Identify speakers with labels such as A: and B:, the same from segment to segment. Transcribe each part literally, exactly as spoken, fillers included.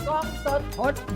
A: กล้องสด
B: พดบู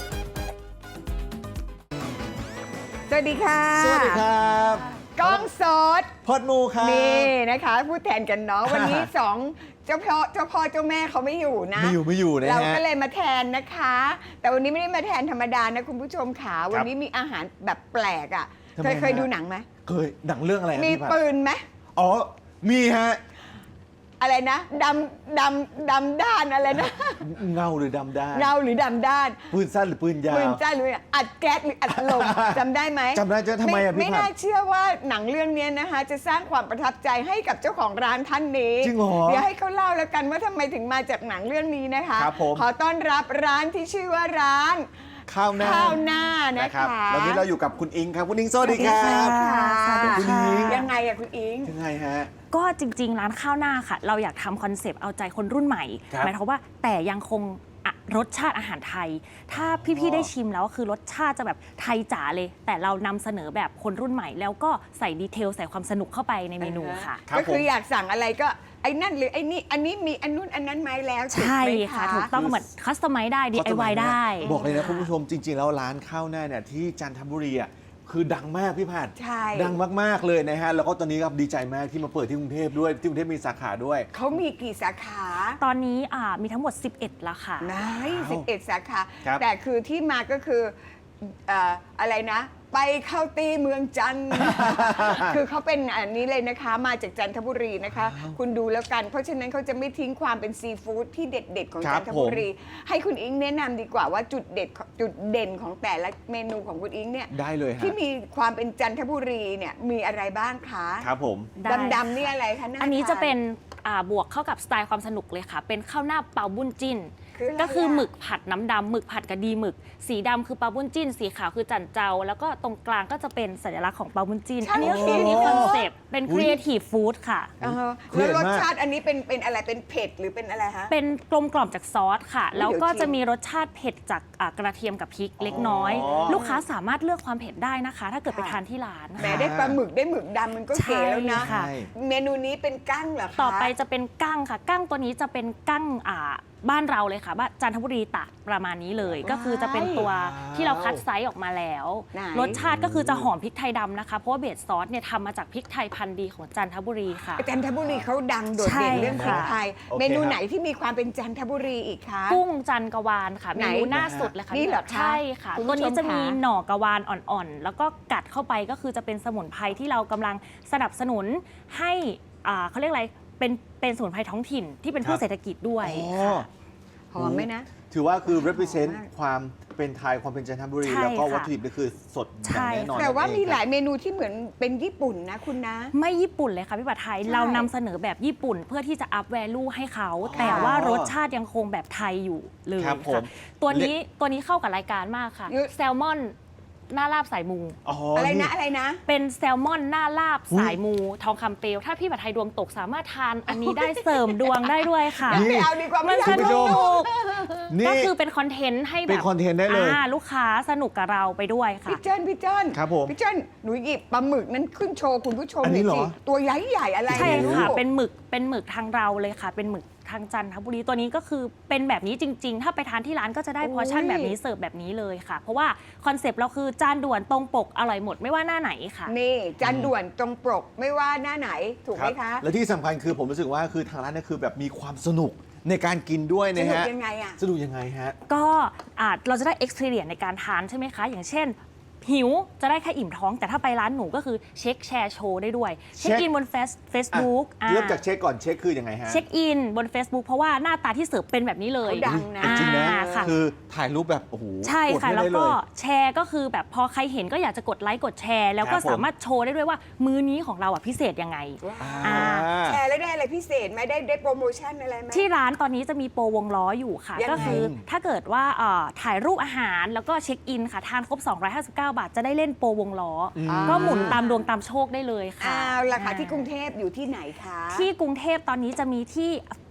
C: สวัสดีค่ะ
A: สวัสดีครับ
C: กล้องสด
A: พดมูครับ
C: นี่นะคะพูดแทนกันเนาะวันนี้สองเจ้าพ่อเจ้าพ่อเจ้าแม่เขาไม่อยู่นะ
A: ไม่อยู่ไม่อยู่นะ
C: เรา
A: ฮะ
C: ก็เลยมาแทนนะคะ แต่วันนี้ไม่ได้มาแทนธรรมดานะคุณผู้ชมขาวันนี้มีอาหารแบบแปลกอ่ะ
A: ทำไม
C: เคยเคย
A: ฮะ
C: ดูหนังไหม
A: เคยหนังเรื่องอะไรครับ
C: มี
A: พี่ผัด
C: ปืนไหม
A: อ๋อมีฮะ
C: อะไรนะดำดำดำด้านอะไรนะ
A: เงาหรือดำได้
C: เงาหรือดำด้าน
A: ปืนสั้นหรือปืนยาว
C: ปืนจ้าหรืออัดแก๊สหรืออัดลม จำได้ไหม
A: จำได้จะทำไมอะพี่
C: ไม่
A: ผัด
C: น่าเชื่อว่าหนังเรื่องนี้นะคะ จะสร้างความประทับใจให้กับเจ้าของร้านท่านนี้
A: จริงเหรอ
C: เดี๋ยวให้เขาเล่าแล้วกันว่าทำไมถึงมาจากหนังเรื่องนี้นะคะ
A: ครับผม
C: ขอต้อนรับร้านที่ชื่อว่าร้าน
A: ข้าวหน้า
C: ข้าวหน้านะคะ
A: วันนี้เราอยู่กับคุณอิงครับคุณอิงสวัสดีครั
C: สวั
A: บ
C: สดีค่ะ
B: สวัสดี
A: คุณ
B: ค่ะ
A: หญิง
C: ยังไงอะคุณอิง
A: ยังไงฮะ
B: ก็จริง ๆ ร้านข้าวหน้าค่ะ เราอยากทำคอนเซปต์เอาใจคนรุ่นใหม่
A: ครับ
B: หมายความว่าแต่ยังคงอะรสชาติอาหารไทย ถ้าพี่ ๆ ได้ชิมแล้วคือรสชาติจะแบบไทยจ๋าเลย แต่เรานำเสนอแบบคนรุ่นใหม่ แล้วก็ใส่ดีเทลใส่ความสนุกเข้าไปในเมนูค่ะ
A: ครับ
C: ก็คือ
A: ผม
C: อยากสั่งอะไรก็ไอ้นั่นหรือไอ้นี่อันนี้มีอันนู้นอันนั้นไหมแล้วถูก
B: ใช่
C: ไหม
B: ค่ะ ถูกต้องเหมือนคัสตอมไมซ์ได้ ดี ไอ วาย ได้
A: บอกเลยนะคุณผู้ชมจริง ๆ แล้วร้านข้าวหน้าเนี่ยที่จันทบุรีอ่ะคือดังมากพี่ผัด
C: ใช่
A: ดังมากๆเลยนะฮะแล้วก็ตอนนี้ครับดีใจมากที่มาเปิดที่กรุงเทพด้วยที่กรุงเทพมีสาขาด้วย
C: เขามีกี่สาขา
B: ตอนนี้อ่ามีทั้งหมด สิบเอ็ดแล้วค่ะ
C: นายสิบเอ็ดสาขา
A: ครับ
C: แต่คือที่มาก็คือเอ่ออะไรนะ ไปเข้าตีเมืองจันทร์ คือเขาเป็นอันนี้เลยนะคะ มาจากจันทบุรีนะคะ คุณดูแล้วกัน เพราะฉะนั้นเขาจะไม่ทิ้งความเป็นซีฟู้ดที่เด็ด ๆ ของ
A: ครั
C: จั
A: บ
C: นทบุรี ให้คุณอิงแนะนำดีกว่าว่าจุดเด็ดจุดเด่นของแต่ละเมนูของคุณอิงเนี่ย
A: ได้เลยฮะ
C: ที่มีความเป็นจันทบุรีเนี่ยมีอะไรบ้างคะ
A: ครับผม
B: ได้
C: ดำๆนี่อะไรคะา
B: อันนี้
C: ทา
B: จะเป็นอ่าบวกเข้ากับสไตล์ความสนุกเลยค่ะ เป็นข้าวหน้าเปาบุญจิ้น
C: คืออะไร
B: ก็คือ
C: อะ
B: หมึกผัดน้ำดำหมึกผัดกระดีหมึก สีดำคือเปาบุญจิ้น สีขาวคือจันเจ้า แล้วก็ตรงกลางก็จะเป็นสัญลักษณ์ของเปาบุญจิ้น อันนี้ก็คือมีคอนเซปต์เป็นครีเอทีฟฟู้ดค่ะ
C: อ่าฮะ
A: เครี
C: แล้
A: ยว ด
C: รส
A: มาก
C: ชาติอันนี้เป็นเป็นอะไรเป็นเผ็ดหรือเป็นอะไรฮะ
B: เป็นกลมกล่อมจากซอสค่ะ
C: เดี๋ยว
B: แล้วก็
C: ชิม
B: จะมีรสชาติเผ็ดจากอ่ากระเทียมกับพริกเล็กน้อย
A: อ๋อ
B: ลูกค้าสามารถเลือกความเผ็ดได้นะคะ ถ้าเกิดไป
C: ค่ะ
B: ทานที่ร้าน
C: แหม
B: ค่ะ
C: ได้ปลาหมึกได้หมึกดำมันก็เก๋แล้วนะ
B: ใช่ค่ะ
C: เมนูนี้เป็นกั้งเหรอคะ
B: ต่อไปจะเป็นกั้งค่ะ กั้งตัวนี้จะเป็นกั้งอ่าบ้านเราเลยค่ะบ้านจันทบุรีตากประมาณนี้เลย ก็คือจะเป็นตัวที่เราคัดไซส์ออกมาแล้ว
C: ไหน
B: รสชาติก็คือจะหอมพริกไทยดำนะคะ เพราะว่าเบสซอสเนี่ยทำมาจากพริกไทยพันธุ์ดีของจันทบุรีค่ะ
C: จันทบุรีเขาดังโดด
B: ใช่
C: เด่นเรื่องพริก
B: ค่ะ
C: ไทย
A: โอเค
C: เมนู
A: ครับ
C: ไหนที่มีความเป็นจันทบุรีอีกคะ
B: กุ้งจันกวาลค่ะ
C: ไหน
B: เมนูหน้าสุดเลยค่ะ
C: นี่เหรอคะ
B: ใช่ค่ะ
C: คุณผู้ชม
B: ตัวนี้จะมี
C: คะ
B: หน่อกวาลอ่อนๆ แล้วก็กัดเข้าไปก็คือจะเป็นสมุนไพรที่เรากำลังสนับสนุนให้อ่าเขาเรียกอะไรเป็นเป็นสมุนไพรท้องถิ่นที่เป็นพื
A: ครั
B: ช
A: บ
B: เศรษฐกิจด้วย
A: อ๋อ
B: ค่ะ
C: หอมไหมนะ
A: ถือว่าคือ represent
C: หอมมาก
A: ความเป็นไทยความเป็นจันทบุรี
B: ใช่
A: แล้วก็
B: ค่ะ
A: วัตถุดิบนี่คือสดอ
B: ใช่
A: ย่างแน่นอน
C: แต่ว่า
A: นั่นเอง
C: มีหลาย
A: ครับ
C: เมนูที่เหมือนเป็นญี่ปุ่นนะคุณนะ
B: ไม่ญี่ปุ่นเลยค่ะพี่ปัทไทย
C: ใช่
B: เรานำเสนอแบบญี่ปุ่นเพื่อที่จะอัพแวลูให้เขา
A: อ๋อ
B: แต่ว่ารสชาติยังคงแบบไทยอยู่เลย
A: ครับผม
B: ค่ะตัวนี้ตัวนี้เข้ากับรายการมากค่ะ
C: เยอะ
B: แซลมอนหน้าลาบสายมู
A: อ๋อ
C: อะไร
A: นี่
C: นะอะไรนะ
B: เป็นแซลมอนหน้าลาบสายมูทองคำเปลวถ้าพี่ปัทไทยดวงตกสามารถทานอันนี้ได้เสริมดวงได้ด้วยค่ะ
A: นี่
C: ไม่เอาดีกว่า
B: มั
C: ไม่
B: น
C: อยา
B: ส
C: ก
A: คุณผู้ช
B: นุ
A: ม
B: ก
A: นี่
B: ก็คือเป็นคอนเทนต์ให้แบบ
A: เป็นคอนเทนต์ได้เลย
B: อ่าลูกค้าสนุกกับเราไปด้วยค่ะ
C: พี่เจิ้นพี่เจิ้น
A: ครับผม
C: พี่เจิ้นหนูหยิบปลาหมึกนั้นขึ้นโชว์คุณผู้ชม
A: อันนี้
C: หน่อย
A: เหร
C: สิ
A: อ
C: ตัวใหญ่ใหญ่ๆอะไร
B: ใช่
C: ไม่รู้
B: ค่ะ เป็นหมึก เป็นหมึกทางเราเลยค่ะ เป็นหมึกทางจันทบุรี ตัวนี้ก็คือเป็นแบบนี้จริง ๆ ถ้าไปทานที่ร้านก็จะได้พอร์ชั่นแบบนี้เสิร์ฟแบบนี้เลยค่ะ เพราะว่าคอนเซปต์เราคือจานด่วนตรงปกอร่อยหมดไม่ว่าหน้าไหนค่ะ
C: นี่จานด่วนตรงปกไม่ว่าหน้าไหนถูกไหมคะ
A: และที่สำคัญคือผมรู้สึกว่าคือทางร้านเนี่ยคือแบบมีความสนุกในการกินด้วย
C: ส
A: นะ
C: นุก
A: ฮะ
C: ยังไงอ่ะ
A: สนุกยังไงฮะ
B: ก็อาจเราจะได้ experience ในการทานใช่ไหมคะ อย่างเช่น หิวจะได้แค่อิ่มท้อง แต่ถ้าไปร้านหนูก็คือเช็คแชร์โชว์ได้ด้วย เช็ค
A: เช็ค
B: อินบนเฟซเฟซบุ๊ก
A: เริ่มจากเช็คก่อนเช็คคือยังไงฮะ
B: เช็คอินบน Facebook เพราะว่าหน้าตาที่เสิร์ฟเป็นแบบนี้เลย
C: เขาดังนะ
A: จริงๆนะ
B: อ่าค่ะ
A: คือถ่ายรูปแบบโอ้โห
B: ใช่
A: กด
B: ค่ะ
A: ไม่
B: แล้ว
A: ได้
B: ก็
A: เย
B: แชร์ก็คือแบบพอใครเห็นก็อยากจะกดไลค์กดแชร์ แล้วก็
A: ครับผม
B: สามารถโชว์ได้ด้วยว่ามื้อนี้ของเราอ่ะพิเศษยังไง
A: อ่า
C: แชร์แล้วได้อะไรพิเศษไหมได้ได้โปรโมชั่นอะไรไหม
B: ที่ร้านตอนนี้จะมีโปรวงล้ออยู่ค่ะ
C: ยังไง
B: ก็คือถ้าเกิดว่าเอ่อถ่ายรูปอาหารแล้วก็เช็คอินค่ะ ทานครบ สองร้อยห้าสิบเก้า บาท จะได้เล่นโปรวงล้ออ
A: ม
B: ก็หมุนตามดวงตามโชคได้เลยค่ะ
C: อ้าวราคา
B: อ่า
C: ที่กรุงเทพอยู่ที่ไหนคะ
B: ที่กรุงเทพตอนนี้จะมีที่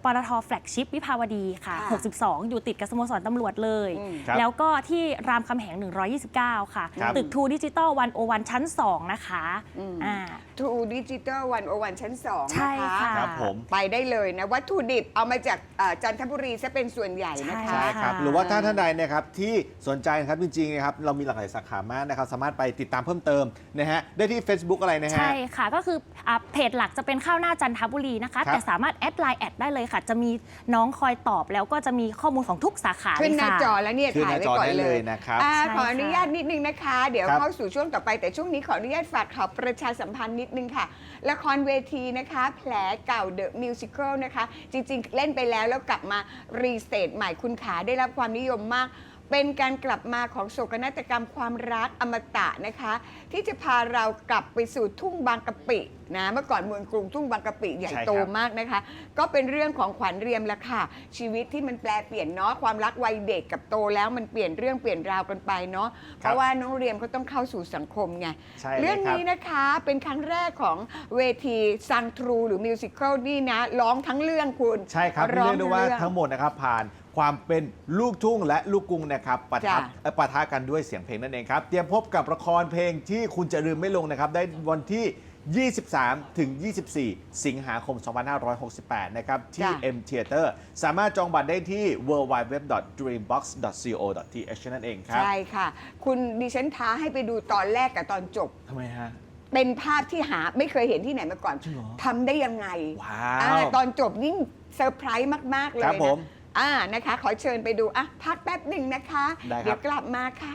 B: ปตทแฟลกชิพวิภาวดีค่ะ
C: ค่ะ
B: หกสิบสอง อยู่ติดกับสโมสรตำรวจเลย
C: อืม
A: ครับ
B: แล้วก็ที่รามคำแหง หนึ่งร้อยยี่สิบเก้า ค่ะ
A: ครับ
B: ตึกทูดิจิตอลวันโอวันชั้น สอง นะคะ
C: อืม
B: อ่า
C: ทูดิจิตอลวันโอวันชั้นสอง
B: ใช่
C: นะคะ
B: ค่ะ
A: ครับผม
C: ไปได้เลยนะ วัตถุดิบเอามาจากเอ่อจันทบุรีซะเป็นส่วนใหญ่นะคะ
B: ใช่
A: ใช่ครับ
B: ค่ะ
A: หรือว่าถ้าท่านใดนะครับที่สนใจนะครับจริงๆนะครับเรามีหลากหลายสาขามากนะครับสามารถไปติดตามเพิ่มเติมนะฮะได้ที่ Facebook อะไรนะฮะ
B: ใช่ค่ะ ก็คืออ่าเพจหลักจะเป็นข้าวหน้าจันทบุรีนะคะ
A: ครับ
B: แต่สามารถแอดไลน์แอดได้เลยค่ะ จะมีน้องคอยตอบแล้วก็จะมีข้อมูลของทุกสาขา
C: ขึ้น
B: เลย
C: หน้า
B: ค่ะ
C: จอแล้วเนี่ย
A: ขึ้นห
C: ถ่าย
A: น้า
C: ไว้
A: จอ
C: ก่อน
A: ได้
C: เล
A: เลย ยนะครับ
C: อ่า
B: ใช่
C: ขออนุญาต
B: ค่ะ
C: นิดนึงนะคะ เดี๋ยว
A: ครับ
C: เข้าสู่ช่วงต่อไปแต่ช่วงนี้ขออนุญาตฝากข่าวประชาสัมพันธ์นิดนึงค่ะ ละครเวทีนะคะ แผลเก่า The Musical นะคะ จริงๆ เล่นไปแล้วแล้วกลับมารีสเตทใหม่คุณขาได้รับความนิยมมาก เป็นการกลับมาของโศกนาฏกรรมความรักอมตะนะคะ ที่จะพาเรากลับไปสู่ทุ่งบางกะปินะเมื่อก่อนเมืองกรุงทุ่งบางกะปิใหญ่
A: ใช่ครับ
C: โตมากนะคะ ก็เป็นเรื่องของขวัญเรียมละค่ะ ชีวิตที่มันแปลเปลี่ยนเนาะความรักวัยเด็กกับโตแล้วมันเปลี่ยนเรื่องเปลี่ยนราวกันไปเนาะเพราะว่าน้องเรียมเขาต้องเข้าสู่สังคมไง
A: ใช่เลย
C: เรื่อง
A: ครับ
C: นี้นะคะเป็นครั้งแรกของเวทีซังทรูหรือมิวสิควลนี่นะร้องทั้งเรื่องคุณ
A: ใช่ครับ
C: ร้
A: เรี
C: อย
A: กได้ว่า
C: เรื่อง
A: ทั้งหมดนะครับผ่านความเป็นลูกทุ่งและลูกกรุงนะครับปะทะ
C: จ้ะ
A: เอ่อปะทะกันด้วยเสียงเพลงนั่นเองครับ เตรียมพบกับละครเพลงที่คุณจะลืมไม่ลงนะครับ ได้วันที่ ยี่สิบสาม ถึง ยี่สิบสี่ สิงหาคม สองพันห้าร้อยหกสิบแปด นะครับ ที่
C: จ้ะ
A: M Theater สามารถจองบัตรได้ที่ ดับเบิลยู ดับเบิลยู ดับเบิลยู ดอท ดรีมบ็อกซ์ ดอท ซี โอ ดอท ที เอช นั่นเองครับ
C: ใช่ค่ะ คุณดิฉันท้าให้ไปดูตอนแรกกับตอนจบ
A: ทำไมฮะ
C: เป็นภาพที่หาไม่เคยเห็นที่ไหนมาก่อน
A: จริงเหรอ
C: ทำได้ยังไง
A: ว้า
C: อ่าว ตอนจบยิ่งเซอร์ไพรส์มาก ๆ เลย
A: ครับผม
C: นะอ่านะคะ ขอเชิญไปดูอ่ะพักแป๊บหนึ่งนะคะ
A: ได้ครับ
C: เดี๋ยวกลับมาค่ะ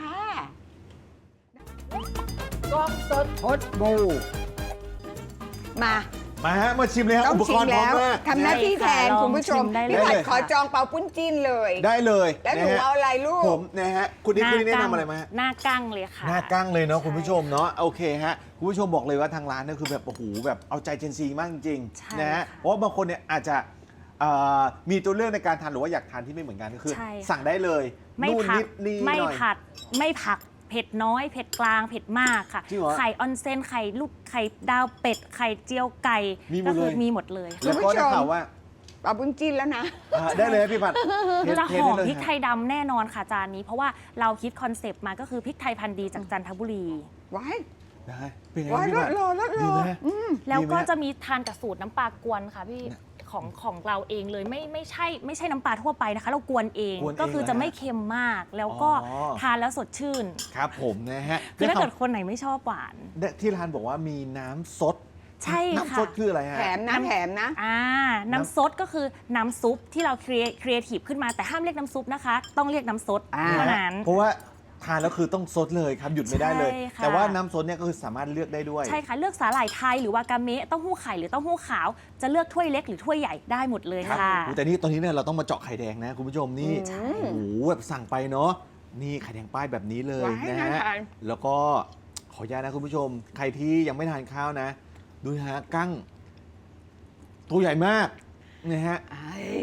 D: กล้องสดพดบู
C: มา
A: มาฮะ มาชิมเลยฮะ
C: ต้อง
A: อุป
C: ชิ
A: ก
C: ม
A: รณ์พร้อ
C: แล้
A: ม
C: ว
A: มาก
C: ทำหน้าที่แทน
B: ได้ค่ะ
C: คุณผู้ชม
B: ลองชิมได้เลย
C: พี่ผัด
A: ได้เลย
C: ขอจองเปาปุ้นจิ้นเลย
A: ได้เลย
C: แล้วหนู
A: นะฮะ
C: เอาอะไรลูก
A: ผมนะฮะ คุณนี่คุณนี่แนะนำอะไรมาฮะ
B: หน้ากั้งเลยค่ะ
A: หน้ากั้งเลยเนาะ
B: ใช่
A: คุณผู้ชมเนาะโอเคฮะคุณผู้ชมบอกเลยว่าทางร้านเนี่ยคือแบบโอ้โหแบบเอาใจเจนซีมากจริง
B: ใช่
A: ๆนะฮะ
B: ค่ะ
A: เพราะว่าบางคนเนี่ยอาจจะเอ่อมีตัวเลือกในการทานหรือว่าอยากทานที่ไม่เหมือนกันก็คือ
B: ใช่ค่ะ
A: สั่งได้เลย
B: ไม่
A: นู่น
B: ผั
A: นิ
B: ด
A: ดนี่
B: ไม่
A: หน่อย
B: ผัดไม่ผักเผ็ดน้อย เผ็ดกลางเผ็ดมากค่ะ
A: จริงเหรอ
B: ไข่ออนเซนไข่ลูกไข่ดาวเป็ดไข่เจียวไก่
A: มีหมด
B: ก็คื
A: เลย
B: มีหมดเลย
A: แล้ว
C: คุณ
A: ก็
C: ผู้ช
A: ได้
C: ม
A: ข่าวว่า
C: เปาปุ้นจิ้นแล้วนะ
A: อ่าได้เลยพี่ผัดเท
B: จะ
A: เท
B: หอ
A: ได้
B: ม
A: เลย
B: พริกไท
A: ฮะ
B: ยดำแน่นอนค่ะจานนี้ เพราะว่าเราคิดคอนเซปต์มาก็คือพริกไทยพันธุ์ดีจากจันทบุรี
C: ว้าย
A: ได้เป็นไง
C: ว้าย
A: พี่
C: ร
A: ผั
C: ส
A: ด
C: รอรสร
A: ดี
C: อ
A: ไหม
C: อืม
B: แล้วก็
A: ดีไหม
B: จะมีทานกับสูตรน้ำปลากวนค่ะพี่ของของเราเองเลยไม่ไม่ใช่ไม่ใช่น้ำปลาทั่วไปนะคะ เรากวนเอง
A: กวนเอง
B: ก็คือจะไม่เค็มมาก แล้วก็
A: อ๋อ
B: ทานแล้วสดชื่น
A: ครับผมนะฮะ
B: คือถ้า
A: ได้
B: เกิ
A: ข่า
B: ด
A: ว
B: คนไหนไม่ชอบหวาน
A: ได้ที่ร้านบอกว่ามีน้ำซด
B: ใช่ค่ะ
A: น้ำซดคืออะไรฮะ
C: แถมนะแถมนะ
B: อ่าน้ำซดก็คือน้ำซุปที่เราครีเอครีเอทีฟขึ้นมาแต่ห้ามเรียกน้ำซุปนะคะ ต้องเรียกน้ำซด
C: อ่า
B: เท่านั้น
A: เพราะว่าทานแล้วคือต้องซดเลยครับ หยุดไม่ได้เลย
B: ใช่ค่ะ
A: แต่ว่าน้ำซดเนี่ยก็คือสามารถเลือกได้ด้วย
B: ใช่ค่ะ เลือกสาหร่ายไทยหรือวากาเมะเต้าหู้ไข่หรือเต้าหู้ขาว จะเลือกถ้วยเล็กหรือถ้วยใหญ่ได้หมดเลย
A: ครับ
B: ค่ะ
A: โอ้แต่นี่ตอนนี้เนี่ยเราต้องมาเจาะไข่แดงนะคุณผู้ชมนี่
C: ใช่
A: โอ้โหแบบสั่งไปเนาะนี่ไข่แดงป้ายแบบนี้เลย
C: ว้าย
A: นะ
C: น่า
A: ฮะ
C: ทาน
A: แล้วก็ขออนุญาตนะคุณผู้ชม ใครที่ยังไม่ทานข้าวนะ ดูนะฮะกั้งตัวใหญ่มากนะฮะ
C: ไอ้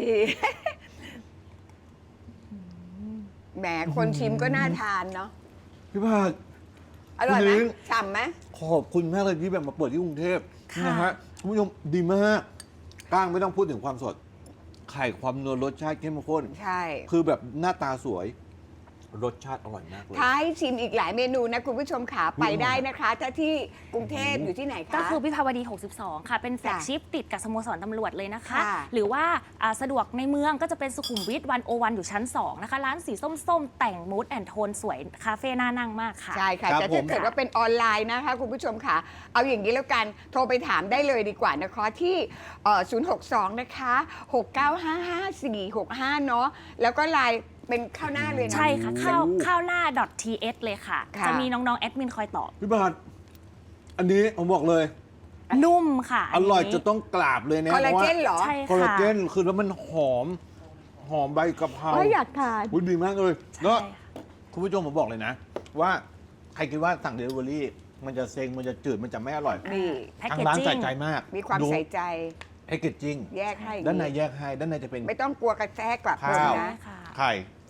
C: แหมคนชิมก็น่าทานเนาะ
A: พี่ผัด
C: อร่อยไหม
A: อื้อหือ
C: ฉ่ำไหม
A: ขอบคุณมากเลยที่แบบมาเปิดที่กรุงเทพ
B: ค่ะ
A: นะฮะคุณผู้ชมดีมากก้างไม่ต้องพูดถึงความสด ไข่ความนัวรสชาติเข้มข้น
C: ใช่
A: คือแบบหน้าตาสวย รสชาติอร่อยมากเลย
C: ท้ายชิมอีกหลายเมนูนะ คุณผู้ชมขาไปได้นะคะ ถ้าที่กรุงเทพอยู่ที่ไหนคะ
B: ก็คือวิภาวดี หกสิบสอง ค่ะ เป็นแฟลก
C: จ้ะ
B: ชิพติดกับสโมสรตำรวจเลยนะคะ
C: ค่ะ
B: หรือว่าอ่าสะดวกในเมืองก็จะเป็นสุขุมวิทวันโอวันอยู่ชั้น สอง นะคะ ร้านสีส้มๆ แต่งมูดแอนโทนสวย คาเฟ่น่านั่งมากค่ะ
C: ใช่ค่ะ
A: ครับ
C: แต่
A: ผ
C: ถ้าม เกิดว่าเป็นออนไลน์นะคะ คุณผู้ชมค่ะ เอาอย่างนี้แล้วกัน โทรไปถามได้เลยดีกว่านะคะ ที่เอ่อศูนย์ หก สอง นะคะ หก เก้า ห้า ห้า สี่ หก ห้า เนาะแล้วก็ไลน์เป็นข้าวหน้าเลยนะ
B: ใช่ค่ะ ข้าว
A: โอ้
B: ข้าวหน้า .th เลยค่ะ
C: ค่ะ
B: จะมีน้องๆ แอดมินคอยตอบ
A: พี่บาทอันนี้ผมบอกเลย
B: นุ่มค่ะ
A: อร่อย
B: นนี้
A: จะต้องกราบเลยนะ
C: คอลลา
A: พราะว่า
C: เจนเหรอ
B: ใช่
A: คอลลา
B: ค่ะ
A: เจนคือแล้วมันหอม หอมใบกะเพรา
C: โอ้ยอยากทาน
A: อุ๊ยดีมากเลย
B: ใช่
A: แล้ว
B: ค่ะ
A: คุณผู้ชมผมบอกเลยนะ ว่าใครคิดว่าสั่งเดลิเวอรี่มันจะเซ็งมันจะจืดมันจะไม่อร่อย
C: นี่
B: แพ็ก
A: ทาง
B: เกจ
A: ร้าน
B: จิ้
A: ใส่
B: ง
A: ใจมาก
C: มีความ
A: ดู
C: ใส่ใจ
A: แพ็กเกจจิ้ง
C: แยกให้
A: ด้านในแยกให้ด้านในจะเป็น
C: ไม่ต้องกลัวกระแทกกลับคน
A: ข้าว
C: นะ
B: ค่ะ
A: ไข่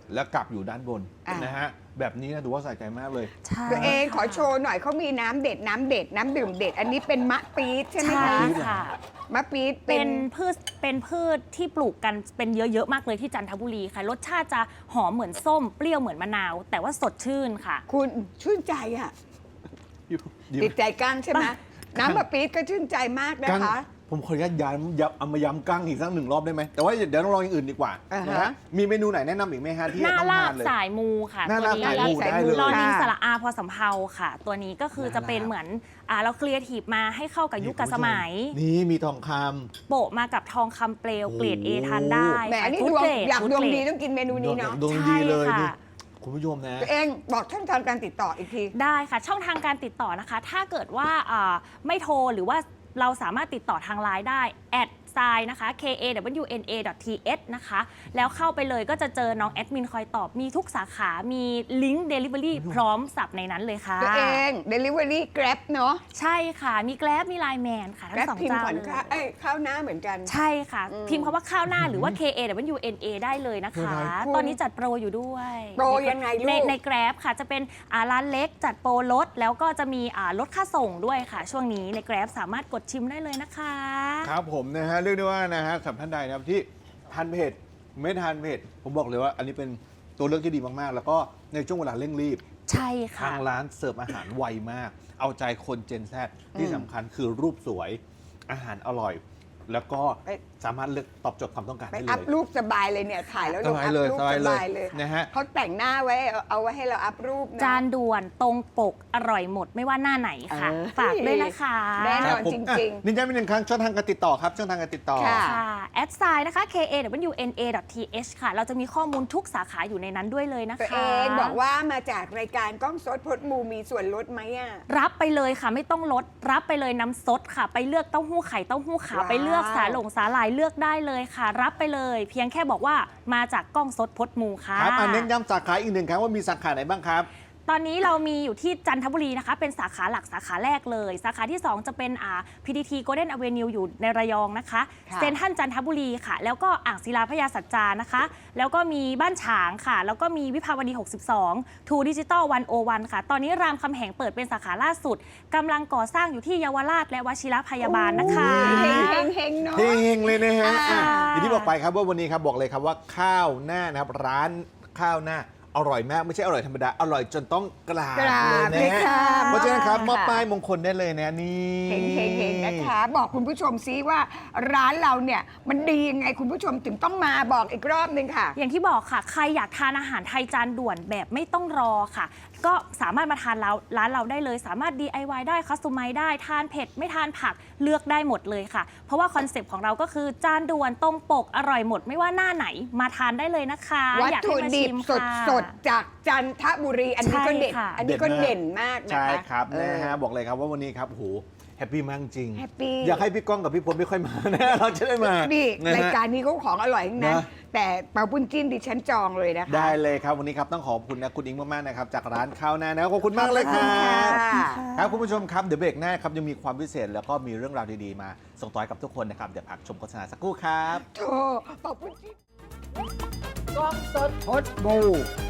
A: แล้วกลับอยู่ด้านบน
C: อ่ะ
A: นะฮะแบบนี้นะถือว่าใส่ใจมากเลย
B: ใช่
C: ตัวเองขอ
B: ค่ะ
C: โชว์หน่อยเขามีน้ำเด็ดน้ำเด็ดน้ำดื่มเด็ด อันนี้เป็นมะปี๊ดใช่ไหม
B: ใช่
C: คะ
B: ค่ะ
C: มะปี๊ดเป็
B: เป็น นพืชเป็นพืชที่ปลูกกันเป็นเยอะๆมากเลยที่จันทบุรีค่ะ รสชาติจะหอมเหมือนส้มเปรี้ยวเหมือนมะนาว แต่ว่าสดชื่นค่ะ
C: คุณชื่นใจอ่ะ
A: อยู่อยู่
C: ติดใจกั้งใช่ไหมน้ำมะปี๊ดก็ชื่นใจมากนะ
A: กั้ง
C: คะ
A: ผมขออนุญาตย้ำย้ำเอามาย้ำกั้งอีกสักหนึ่งรอบได้ไหมแต่ว่าเดี๋ยวต้องลองอย่างอื่นดีกว่า
C: อ่าฮะ
A: นะฮะมีเมนูไหนแนะนำอีกไหมฮะที่
B: หน้า
A: ต้อง
B: ลา
A: ทา
B: บ
A: นเลย
B: สายมูค่ะ
A: หน้า
B: ตัว
A: ลาบ
B: นี้
A: สายมูได้เลย
B: รอนิง
C: ค่ะ
B: สระอาพอสำเภาค่ะ ตัวนี้ก็คือจะเป็นเหมือนอ่าเราครีเอทีฟมาให้เข้ากับยุคกับสมัย
A: นี่มีทองค
B: โปะมากับทองคำเปลวเกรด A ทานได้
C: แหมนี่
B: ฟู้
C: ด
B: ด
C: วง
B: เกรด
C: อยาก
B: ฟู้
C: ดวง
B: เกร
C: ดีต้องกินเมนู
A: ำ
C: นี้เนาะ
A: ดวง
B: ใช่
A: ดีเลย
B: ค่ะ
A: นี่คุณผู้ชมนะ
C: ตัวเองบอกช่องทางการติดต่ออีกที
B: ได้ค่ะ ช่องทางการติดต่อนะคะ ถ้าเกิดว่าอ่าไม่โทรหรือว่าเราสามารถติดต่อทางไลน์ได้แอดไซน์นะคะ k a w n a t h นะคะ แล้วเข้าไปเลยก็จะเจอน้องแอดมินคอยตอบมีทุกสาขา มีลิงก์ Delivery พร้อมสับในนั้นเลยค่ะ
C: ตัวเอง Delivery Grab เนาะ
B: ใช่ค่ะ มีแกร็บมีไลน์แมนค่ะ ทั้ง
C: Grab
B: สอง
C: พิมพ์
B: เจ้า
C: ก่อน
B: เลย
C: ค่ะเอ้ยข้าวหน้าเหมือนกัน
B: ใช่ค่ะ
C: อืม
B: พิมพ์คำว่าข้าวหน้าหรือว่า k a w n a ได้เลยนะคะ
C: คุณ
B: ตอนนี้จัดโปรอยู่ด้วย
C: โปรยังไงลูก
B: ในในแกร็บค่ะ จะเป็นอ่าร้านเล็กจัดโปรลด แล้วก็จะมีอ่าลดค่าส่งด้วยค่ะ ช่วงนี้ในแกร็บสามารถกดชิมได้เลยนะคะ
A: ครับผมนะฮะเรียกได้ว่านะฮะสำหรับท่านใดนะครับที่ทานเผ็ดไม่ทานเผ็ดผมบอกเลยว่า อันนี้เป็นตัวเลือกที่ดีมากๆ แล้วก็ในช่วงเวลาเร่งรีบ
B: ใช่ค่ะ
A: ทางร้านเสิร์ฟอาหารไวมาก เอาใจคนเจนแซดที่สำคัญคือรูปสวยอาหารอร่อย แล้วก็
C: ไป
A: สามารถเลือกตอบโจทย์ความต้องการ
C: ไป
A: ได้เล
C: อัพ
A: ย
C: รูปสบายเลยเนี่ย ถ่ายแล้วลง
A: สบาย
C: อัพ
A: เลย
C: รูป
A: สบาย
C: ส
A: เลย
C: บายเลย
A: นะฮะ
C: เขาแต่งหน้าไว้เอาเอาไว้ให้เราอัพรูปเะ
B: จานด่วนตรงปกอร่อยหมดไม่ว่าหน้าไหนค่ะ
C: เออ
B: ฝากด้วยนะคะ
C: แน่นอน
A: ครับผม
C: จริง
A: อ่ะนินย้ำอีกหนึ่งครั้งช่องทางการติดต่อครับช่องทางการติดต่อ
C: ค่ะ
B: ค่ะแอดไซน์นะคะ k a w n a t h ค่ะ เราจะมีข้อมูลทุกสาขาอยู่ในนั้นด้วยเลยนะ
C: ตัว
B: คะ
C: เองบอกว่ามาจากรายการกล้องสดพดมูมีส่วนลดไหมอ่ะ
B: รับไปเลยค่ะไม่ต้องลด รับไปเลยน้ำซดค่ะ ไปเลือกเต้าหู้ไข่เต้าหู้ขาว
C: ว้าว
B: ไปเลือกสาหลงสาหร่ายเลือกได้เลยค่ะ รับไปเลย เพียงแค่บอกว่ามาจากกล้องสดพดมูค่ะ
A: ครับอันเน้นย้ำสาขาอีกหนึ่งครั้งว่ามีสาขาไหนบ้างครับ
B: ตอนนี้เรามีอยู่ที่จันทบุรีนะคะ เป็นสาขาหลักสาขาแรกเลย สาขาที่ สอง จะเป็นอ่า พี ที ที Golden Avenue อยู่ในระยองนะคะ
C: ค่ะ
B: เซ็นทรัลจันทบุรีค่ะ แล้วก็อ่างศิลาพญาสัจจานะคะ แล้วก็มีบ้านฉางค่ะ แล้วก็มีวิภาวดี หกสิบสอง ทูดิจิตอลวันโอวันค่ะ ตอนนี้รามคำแหงเปิดเป็นสาขาล่าสุดกำลังก่อสร้างอยู่ที่เยาวราชและวชิรพยาบาลนะคะ
C: เฮงเฮงเฮงเนาะ
A: เฮงๆเลยนะฮะ
C: อ่า
A: อ่ะอย่างที่บอกไปครับว่าวันนี้ครับบอกเลยครับว่าข้าวหน้านะครับร้านข้าวหน้าอร่อยมากไม่ใช่อร่อยธรรมดา อร่อยจนต้องกราบ
C: กราบ
A: เลย
C: เลย
A: นะ
C: ค่ะ
A: เพราะฉะนั้นครับมอบป้ายมงคลได้เลยนะนี่
C: เฮงเฮงเฮงนะคะ บอกคุณผู้ชมซิว่าร้านเราเนี่ยมันดียังไงคุณผู้ชมถึงต้องมาบอกอีกรอบนึงค่ะ
B: อย่างที่บอกค่ะ ใครอยากทานอาหารไทยจานด่วนแบบไม่ต้องรอค่ะ ก็สามารถมาทานเราร้านเราได้เลย สามารถ ดี ไอ วาย ได้คัสตอมไมซ์ได้ทานเผ็ดไม่ทานผักเลือกได้หมดเลยค่ะ เพราะว่าคอนเซปต์ของเราก็คือจานด่วนตรงปกอร่อยหมด ไม่ว่าหน้าไหนมาทานได้เลยนะคะ
C: วัต
B: อยาก
C: ถุ
B: ให้มา
C: ดิ
B: ชิ
C: บ
B: ม
C: สด
B: ค่ะ
C: สดๆจากจันทบุรี อันนี้ก็เด็ด
B: ใช่ค่ะ
C: อันนี้ก็เด่นมากนะคะ
A: ใช่ครับ
C: เออ
A: นะฮะบอกเลยครับว่าวันนี้ครับโอ้โหแฮปปี้มากจริง
C: แฮปปี้
A: อยากให้พี่ก้องกับพี่พลไม่ค่อยมานะ เราจะได้มา
C: นี่
A: นะฮะ
C: รายการนี้เขาของอร่อยทั้งนั้น
A: นะ
C: แต่เปาปุ้นจิ้นดิฉันจองเลยนะคะ
A: ได้เลยครับวันนี้ครับต้องขอบคุณนะคุณอิงมากๆนะครับจากร้านข้าวหน้านะครับขอบคุณมากเลยค
C: ข
A: รั
C: อบคุณ
A: บ
C: ค่ะ
A: ครับคุณผู้ชมครับเดี๋ยวเบรกหน้าครับยังมีความพิเศษแล้วก็มีเรื่องราวดีๆมาส่งต่อให้กับทุกคนนะครับเดี๋ยวพักชมโฆษณาสักครู่ครับ
C: โธ่เปาปุ้นจิ้น
D: กล้องสดพดบู